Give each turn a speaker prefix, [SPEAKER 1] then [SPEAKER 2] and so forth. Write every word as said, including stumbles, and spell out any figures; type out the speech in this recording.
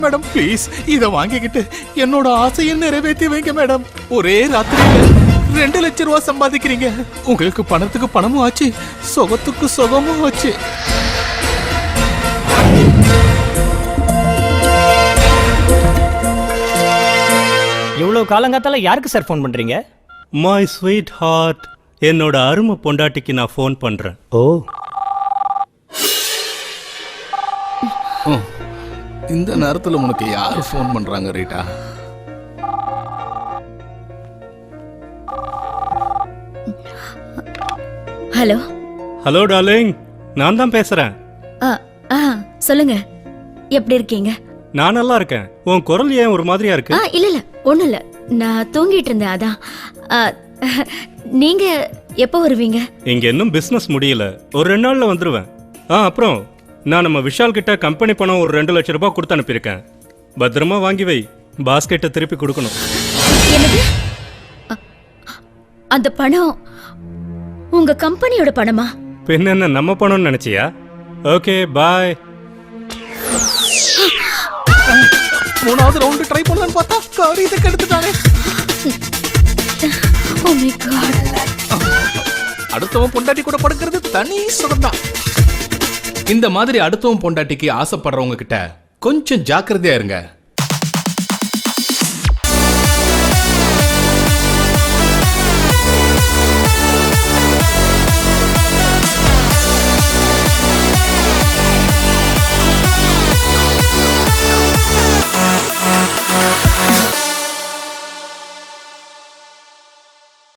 [SPEAKER 1] Madam please இத வாங்கிக்கிட்டு என்னோட ஆசையை நிறைவேற்றி வைங்க மேடம். ஒரே ராத்திரியில ரெண்டு லட்சம் ரூபாய் சம்பாதிக்கிறீங்க. உங்களுக்கு பணத்துக்கு பணமும் ஆச்சு, சுகத்துக்கு சுகமும் ஆச்சு.
[SPEAKER 2] இவ்வளவு காலங்காத்தால யாருக்கு சார் ஃபோன் பண்றீங்க?
[SPEAKER 3] மை ஸ்வீட் ஹார்ட், என்னோட அருமை பொண்டாட்டிக்கு நான் ஃபோன் பண்றேன்.
[SPEAKER 2] ஓ,
[SPEAKER 1] இந்த நேரத்துல உனக்கு யாரு ஃபோன் பண்றாங்க ரீட்டா?
[SPEAKER 4] ஹலோ
[SPEAKER 3] ஹலோ டார்லிங், நான் தான் பேசுறேன்.
[SPEAKER 4] சொல்லுங்க, எப்படி இருக்கீங்க?
[SPEAKER 3] நான் நல்லா இருக்கேன். உன் குரல் ஏன் ஒரு மாதிரியா இருக்கு?
[SPEAKER 4] ஆ இல்ல இல்ல ஒண்ணும் இல்ல, நான் தூங்கிட்டு இருந்தேன் அதான். ஆ, நீங்க எப்போ வருவீங்க?
[SPEAKER 3] இங்க இன்னும் பிசினஸ் முடியல, ஒரு ரெண்டு நாள்ல வந்துருவேன். ஆ அப்புறம் நான் நம்ம விஷால் கிட்ட கம்பெனி பணம் ஒரு ரெண்டு லட்சம் ரூபாய் கொடுத்து அனுப்பியிருக்கேன். பத்திரமா வாங்கி வை, பாஸ்கெட்டை திருப்பி கொடுக்கணும்.
[SPEAKER 4] என்னது? அ- அந்த பணம் உங்க கம்பெனியோட பணமா?
[SPEAKER 3] பின்ன என்ன நம்ம பணம்னு நினைச்சியா? Okay bye.
[SPEAKER 1] மூணாவது ரவுண்ட் ட்ரை பண்ணலான்னு பார்த்தா காரியத்தை கெடுத்துட்டானே.
[SPEAKER 4] Oh my God.
[SPEAKER 1] அடுத்தவன் பொண்டாட்டி கூட படுக்கிறது தனி சுகம்தான். இந்த மாதிரி அடுத்தவன் பொண்டாட்டிக்கு ஆசைப்படுறவங்க கிட்ட கொஞ்சம் ஜாக்கிரதையா இருங்க.